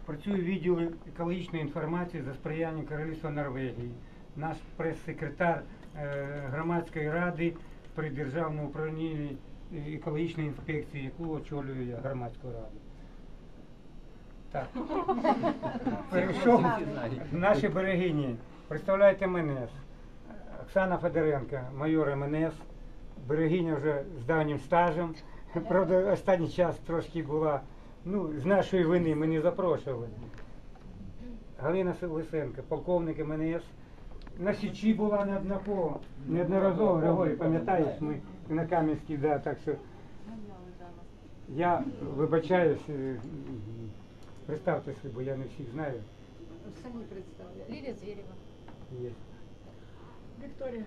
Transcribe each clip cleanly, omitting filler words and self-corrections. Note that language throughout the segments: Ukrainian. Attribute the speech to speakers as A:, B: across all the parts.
A: Працюю в відділі екологічної інформації за сприяння Королівства Норвегії. Наш прес-секретар громадської ради при Державному управлінні екологічної інспекції, яку очолюю я, громадську раду. Так. Перейшов наші берегині. Представляєте МНС. Оксана Федоренко, майор МНС, берегиня вже з давнім стажем. Правда, останній час трошки була, з нашої вини ми не запрошували. Галина Лисенко, полковник МНС. На Січі була неодноразово, Григорій, пам'ятаєш, ми на Кам'янській, да, так що я вибачаюсь, представтеся, бо я не всіх знаю.
B: Самі представляю. Лілія Зверєва.
A: Є.
B: Вікторія.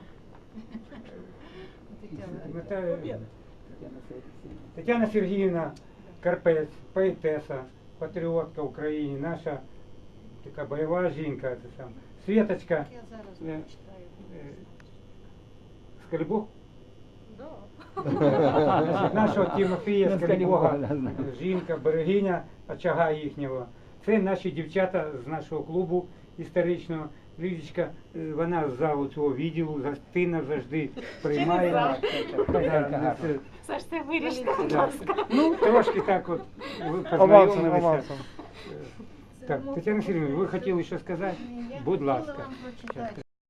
A: Тетяна Сергіївна Карпець, поетеса, патріотка України, наша така бойова жінка. Світочка.
B: Я зараз не читаю.
A: Скальбог?
B: Да.
A: Нашого Тимофія Скальбога, жінка, берегиня очага їхнього. Це наші дівчата з нашого клубу історичного. Лідочка, вона з залу цього відділу, гостинна завжди приймає.
C: Саш, це вирішити, будь ласка.
A: Трошки так от ви познайомилися. Так, Тетяна Сергіївна, ви хотіли що сказати? Будь ласка.
B: Я хотіла вам прочитати